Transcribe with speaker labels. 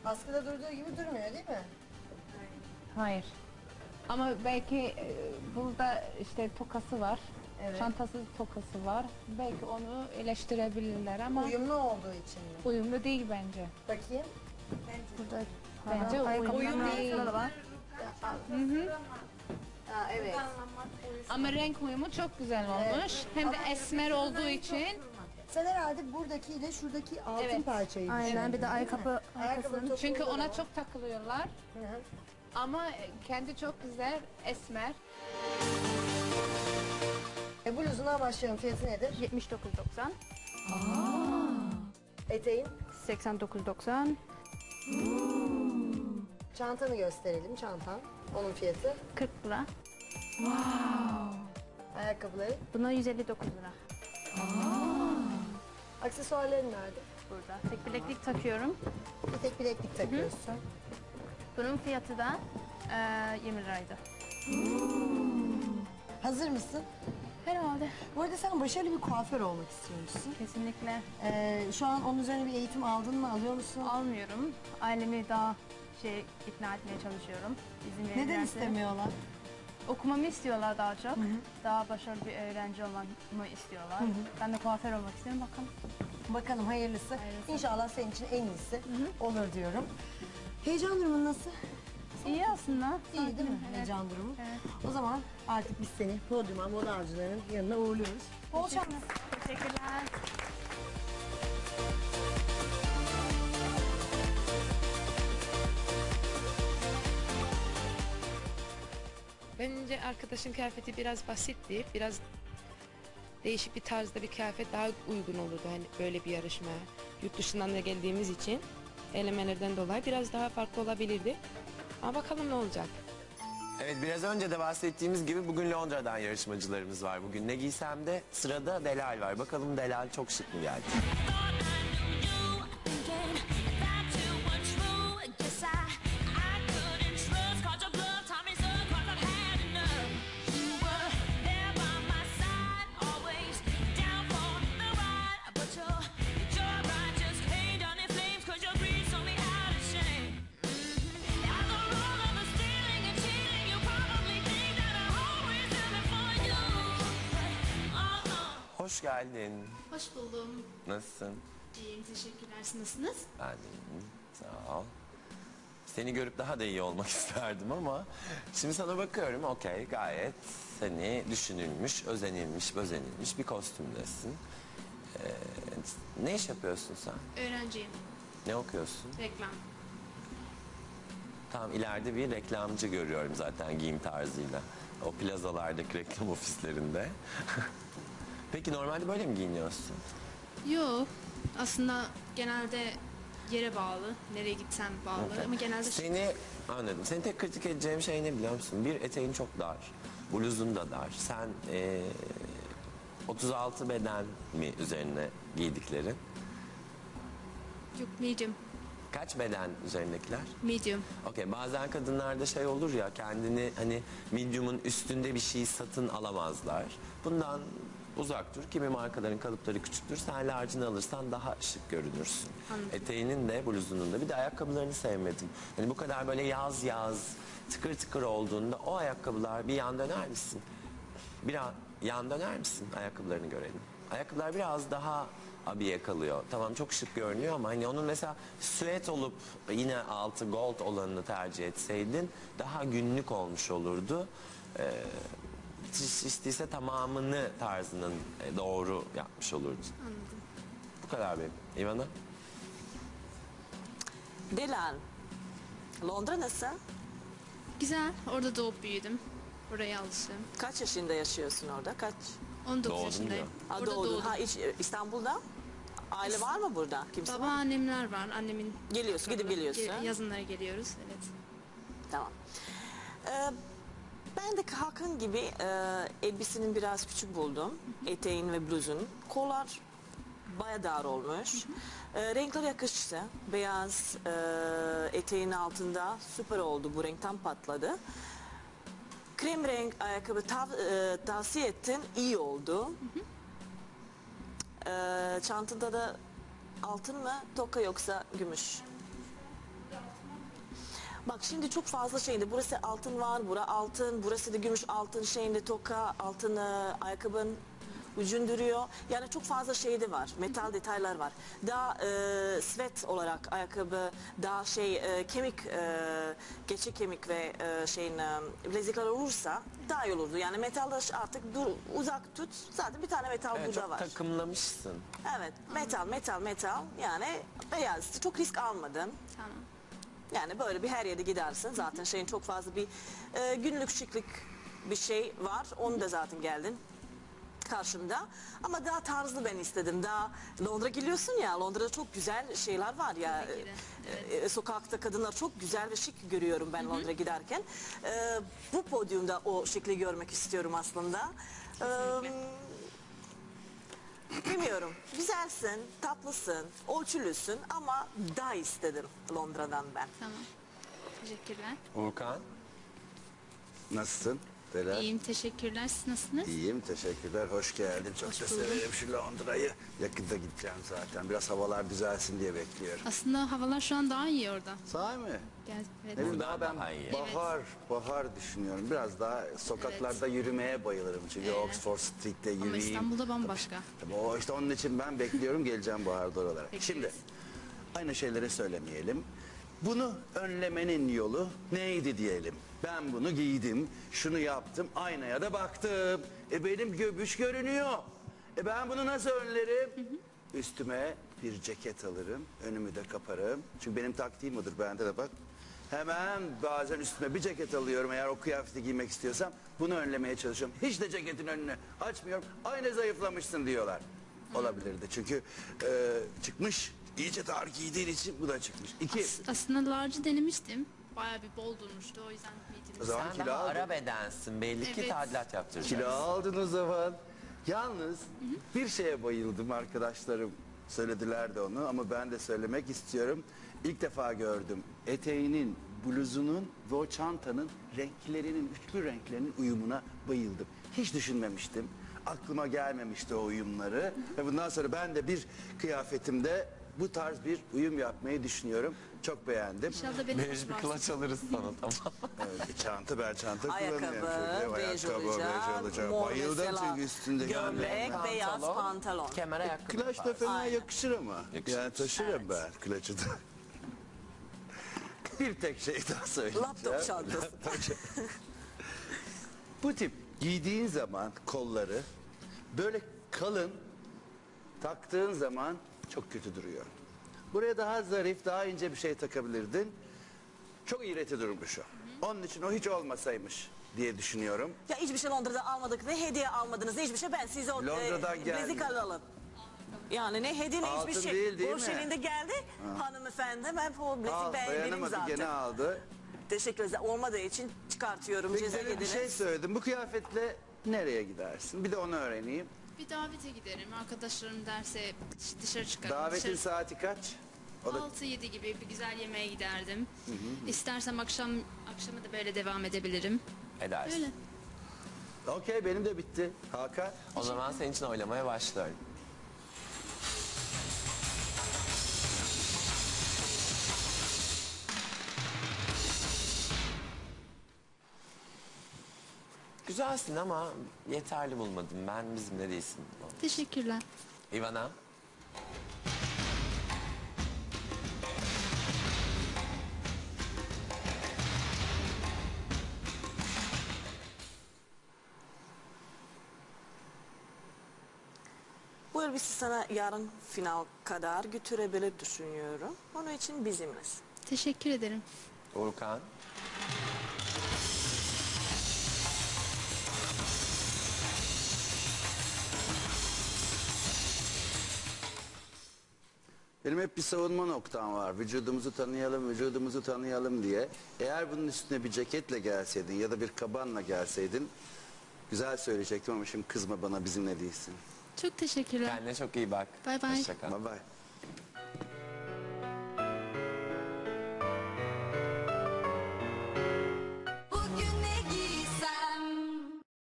Speaker 1: Askıda durduğu gibi durmuyor değil mi?
Speaker 2: Hayır. Ama belki burada işte tokası var.
Speaker 1: Evet.
Speaker 2: Çantası tokası var. Belki onu eleştirebilirler ama
Speaker 1: Uyumlu olduğu için mi?
Speaker 2: uyumlu değil bence.
Speaker 1: Bakayım.
Speaker 2: Burada bence uyumlu değil.
Speaker 1: Ha, evet.
Speaker 2: Ama renk uyumu çok güzel olmuş. Hem de esmer olduğu için
Speaker 1: Sen herhalde buradaki ile şuradaki altın
Speaker 2: Evet.
Speaker 1: parçayı
Speaker 3: Aynen, bir de
Speaker 1: ayakkabı topuğu
Speaker 2: çünkü
Speaker 1: da
Speaker 2: ona
Speaker 1: var.
Speaker 2: çok takılıyorlar.
Speaker 1: Hı hı.
Speaker 2: Ama kendi çok güzel esmer.
Speaker 1: Bluzuna başlayalım. Fiyatı nedir?
Speaker 3: 79.90,
Speaker 1: Eteğin.
Speaker 3: 89.90,
Speaker 1: Çantanı gösterelim. Çantan. Onun fiyatı.
Speaker 3: 40 lira.
Speaker 1: Ayakkabıları.
Speaker 3: Buna 159 lira.
Speaker 1: Aksesuarların nerede?
Speaker 3: Burada. Tek bileklik takıyorum.
Speaker 1: Bir tek bileklik takıyorsun.
Speaker 3: Bunun fiyatı da 20 liraydı.
Speaker 1: Hazır mısın?
Speaker 3: Herhalde.
Speaker 1: Bu arada sen başarılı bir kuaför olmak istiyormuşsun.
Speaker 3: Kesinlikle
Speaker 1: Şu an onun üzerine bir eğitim aldın mı? Alıyor musun?
Speaker 3: almıyorum. Ailemi daha ikna etmeye çalışıyorum. İzin
Speaker 1: Neden
Speaker 3: verirlerse.
Speaker 1: istemiyorlar?
Speaker 3: Okumamı istiyorlar daha çok. Daha başarılı bir öğrenci olmamı istiyorlar. Ben de kuaför olmak istiyorum. Bakalım.
Speaker 1: Bakalım hayırlısı.
Speaker 3: Hayırlısı.
Speaker 1: İnşallah senin için en iyisi olur diyorum. Heyecan durumun nasıl?
Speaker 3: İyi aslında.
Speaker 1: İyi değil mi
Speaker 3: Evet.
Speaker 1: heyecan durumu?
Speaker 3: Evet.
Speaker 1: O zaman artık biz seni podyuma, moda avcılarının yanına uğurluyoruz. Bol şans.
Speaker 3: Teşekkürler.
Speaker 4: Bence arkadaşın kıyafeti biraz basitti. Biraz değişik bir tarzda bir kıyafet daha uygun olurdu hani böyle bir yarışmaya. Yurt dışından da geldiğimiz için elemelerden dolayı biraz daha farklı olabilirdi. Ama bakalım ne olacak.
Speaker 5: Evet, biraz önce de bahsettiğimiz gibi bugün Londra'dan yarışmacılarımız var. Bugün ne giysem de sırada Delal var. Bakalım Delal çok şık mı geldi? Hoş geldin.
Speaker 6: Hoş buldum.
Speaker 5: Nasılsın?
Speaker 6: İyiyim, teşekkürler. Siz nasılsınız?
Speaker 5: Ben de iyiyim. Sağ ol. Seni görüp daha da iyi olmak isterdim ama şimdi sana bakıyorum, okey, gayet seni düşünülmüş, özenilmiş bir kostümdesin. Ne iş yapıyorsun sen?
Speaker 6: Öğrenciyim.
Speaker 5: Ne okuyorsun?
Speaker 6: Reklam.
Speaker 5: Tam ileride bir reklamcı görüyorum zaten giyim tarzıyla. O plazalardaki reklam ofislerinde. Peki normalde böyle mi giyiniyorsun?
Speaker 6: Yok. Aslında genelde yere bağlı. Nereye gitsem bağlı.
Speaker 5: Okay.
Speaker 6: Ama genelde
Speaker 5: Seni anladım. Seni tek kritik edeceğim şey ne biliyor musun? Bir, eteğin çok dar. Bluzun da dar. Sen 36 beden mi üzerine giydiklerin?
Speaker 6: yok, medium.
Speaker 5: Kaç beden üzerindekiler?
Speaker 6: Medium.
Speaker 5: Okey, bazen kadınlarda şey olur ya, kendini hani medium'un üstünde bir şey satın alamazlar. Bundan uzak dur. Kimi markaların kalıpları küçüktür. Sen large'ını alırsan daha şık görünürsün.
Speaker 6: Anladım.
Speaker 5: Eteğinin de bluzunun da. Bir de ayakkabılarını sevmedim. Hani bu kadar böyle yaz tıkır tıkır olduğunda o ayakkabılar bir yan döner misin? Yan döner misin? Ayakkabılarını görelim. Ayakkabılar biraz daha abiye kalıyor. Tamam, çok şık görünüyor ama hani onun mesela süet olup yine altı gold olanını tercih etseydin daha günlük olmuş olurdu. İstiyse tamamını tarzının doğru yapmış olurdu.
Speaker 6: Anladım.
Speaker 5: Bu kadar benim. İvana?
Speaker 7: Dilan, Londra nasıl?
Speaker 6: Güzel. Orada doğup büyüdüm. Oraya alıştım.
Speaker 7: Kaç yaşında yaşıyorsun orada? Kaç?
Speaker 6: 19
Speaker 5: Doğdun
Speaker 6: yaşındayım.
Speaker 7: Ha,
Speaker 6: Orada
Speaker 7: doğdun.
Speaker 6: doğdum.
Speaker 7: Ha, İstanbul'da? Aile var mı burada? Kimse var mı?
Speaker 6: Babaannemler var. Annemin
Speaker 7: Geliyorsun, gidip geliyorsun.
Speaker 6: Yazınlara geliyoruz. Evet.
Speaker 7: Tamam. Ben de Hakan gibi elbisenin biraz küçük buldum. Eteğin ve bluzun. Kollar baya dar olmuş. Renkler yakıştı. Beyaz eteğin altında süper oldu. Bu renk tam patladı. Krem renk ayakkabı tavsiye ettin. İyi oldu. Çantada da altın mı, toka yoksa gümüş? Bak şimdi çok fazla şeyinde burası altın var, bura altın, burası da gümüş altın şeyinde toka, altın ayakkabın ucun duruyor. Yani çok fazla şey de var, metal detaylar var. Daha sweat olarak ayakkabı, daha kemik, geçik kemik ve bilezikler olursa daha iyi olurdu. Yani metalda artık uzak tut, zaten bir tane metal
Speaker 5: Evet,
Speaker 7: burada
Speaker 5: çok
Speaker 7: var.
Speaker 5: takımlamışsın.
Speaker 7: Evet, metal yani beyaz, çok risk almadım.
Speaker 6: Tamam.
Speaker 7: Yani böyle bir her yere gidersin. Zaten şeyin çok fazla bir günlük şıklık bir şey var. Onu da zaten geldin karşımda. Ama daha tarzlı ben istedim. Daha Londra geliyorsun ya. Londra'da çok güzel şeyler var ya.
Speaker 6: Tabii ki de,
Speaker 7: Sokakta kadınlar çok güzel ve şık görüyorum ben Londra giderken. Bu podyumda o şekli görmek istiyorum aslında. Bilmiyorum. Güzelsin, tatlısın, ölçülüsün ama daha istedim Londra'dan ben.
Speaker 6: Tamam. Teşekkürler.
Speaker 5: Urkan.
Speaker 8: Nasılsın? Delal?
Speaker 6: İyiyim, teşekkürler. Siz nasılsınız?
Speaker 8: İyiyim, teşekkürler. Hoş geldin. Çok da severim şu Londra'yı. Yakında gideceğim zaten. Biraz havalar düzelsin diye bekliyorum.
Speaker 6: Aslında havalar şu an daha iyi orada.
Speaker 8: Sahi mi?
Speaker 6: Gel, evet.
Speaker 8: Ne bileyim,
Speaker 5: Buradan
Speaker 8: daha ben
Speaker 5: daha iyi.
Speaker 8: bahar düşünüyorum. Biraz daha sokaklarda yürümeye bayılırım. Çünkü Oxford Street'te
Speaker 6: Ama
Speaker 8: yürüyeyim.
Speaker 6: İstanbul'da bambaşka.
Speaker 8: Tabii o işte onun için ben bekliyorum, geleceğim baharda oralara.
Speaker 6: Bekleriz.
Speaker 8: Şimdi aynı şeyleri söylemeyelim. Bunu önlemenin yolu neydi diyelim. Ben bunu giydim, şunu yaptım, aynaya da baktım. Benim göbüş görünüyor. Ben bunu nasıl önlerim? Üstüme bir ceket alırım, önümü de kaparım. Çünkü benim taktiğim odur, bende de bak. Hemen bazen üstüme bir ceket alıyorum eğer o kıyafeti giymek istiyorsam. Bunu önlemeye çalışıyorum. Hiç de ceketin önünü açmıyorum. Aynı zayıflamışsın diyorlar. Olabilirdi çünkü çıkmış. İyice dar giydiğin için bu da çıkmış. İki.
Speaker 6: Aslında large'ı denemiştim. Bayağı bir bol durmuştu. O yüzden medium.
Speaker 8: O zaman
Speaker 5: Sen
Speaker 8: kilo
Speaker 5: daha
Speaker 8: aldın.
Speaker 5: ara bedensin. Belli ki
Speaker 6: Evet.
Speaker 5: tadilat yaptıracaksın.
Speaker 8: Kilo aldın o zaman. Yalnız bir şeye bayıldım, arkadaşlarım söylediler de onu ama ben de söylemek istiyorum. İlk defa gördüm. Eteğinin, bluzunun ve o çantanın renklerinin, üçlü renklerinin uyumuna bayıldım. Hiç düşünmemiştim. Aklıma gelmemişti o uyumları. Ve bundan sonra ben de bir kıyafetimde bu tarz bir uyum yapmayı düşünüyorum. Çok beğendim.
Speaker 6: İnşallah beni
Speaker 5: Bej bir
Speaker 6: hoşlarsın.
Speaker 5: kulaç alırız sana tamam.
Speaker 8: Evet, bir çanta, ben çanta
Speaker 7: Ayakkabı,
Speaker 8: kullanıyorum.
Speaker 7: bej
Speaker 8: Ayakkabı,
Speaker 7: olacak,
Speaker 8: bej olacak.
Speaker 7: mor
Speaker 8: Bayıldım
Speaker 7: mesela,
Speaker 8: çünkü üstünde
Speaker 7: gömlek, beyaz pantolon.
Speaker 5: Kemer ayakkabı.
Speaker 8: Klaç da fena
Speaker 7: Aynen.
Speaker 8: yakışır ama.
Speaker 5: Yakışır.
Speaker 8: Yani taşırım ben klaçı da. Bir tek şey daha söyleyeceğim.
Speaker 7: Laptop çantası.
Speaker 8: Bu tip giydiğin zaman kolları böyle kalın taktığın zaman çok kötü duruyor. Buraya daha zarif, daha ince bir şey takabilirdin. Çok iğreti durmuş o. Onun için o hiç olmasaymış diye düşünüyorum.
Speaker 7: Ya hiçbir şey Londra'da almadık. Ne hediye almadınız, ne hiçbir şey. Ben size o
Speaker 8: Londra'dan geldi.
Speaker 7: bilezik alalım. Yani ne hediye ne
Speaker 8: Altın
Speaker 7: hiçbir şey.
Speaker 8: değil, değil
Speaker 7: Boş
Speaker 8: mi?
Speaker 7: elinde geldi. Hanımefendi ben o bilezik beğendim
Speaker 8: Dayanamadı,
Speaker 7: zaten.
Speaker 8: gene aldı.
Speaker 7: Teşekkür ederim. Olmadığı için çıkartıyorum.
Speaker 8: Peki
Speaker 7: Ceza
Speaker 8: demin bir
Speaker 7: yediniz.
Speaker 8: şey söyledim. Bu kıyafetle nereye gidersin? Bir de onu öğreneyim.
Speaker 6: Bir davete giderim. Arkadaşlarım derse dışarı çıkarım.
Speaker 8: Davetin
Speaker 6: Dışarı-
Speaker 8: saati kaç? O da
Speaker 6: 6-7 gibi bir güzel yemeğe giderdim. İstersem akşamı da böyle devam edebilirim.
Speaker 5: Edersin.
Speaker 6: Öyle.
Speaker 8: okey, benim de bitti. Hakan.
Speaker 5: O zaman senin için oylamaya başlıyorum. Güzelsin ama yeterli bulmadım. Ben bizimle değilsin.
Speaker 6: Teşekkürler.
Speaker 5: Ivana.
Speaker 7: Bu elbise sana yarın final kadar götürebilir düşünüyorum. Onun için bizimles.
Speaker 6: Teşekkür ederim.
Speaker 5: Urkan.
Speaker 8: Benim hep bir savunma noktam var. Vücudumuzu tanıyalım, vücudumuzu tanıyalım diye. Eğer bunun üstüne bir ceketle gelseydin ya da bir kabanla gelseydin güzel söyleyecektim ama şimdi kızma bana, bizimle değilsin.
Speaker 6: Çok teşekkürler.
Speaker 5: Kendine çok iyi bak.
Speaker 6: Bay bay.
Speaker 5: Hoşça kal.
Speaker 8: Bye bye.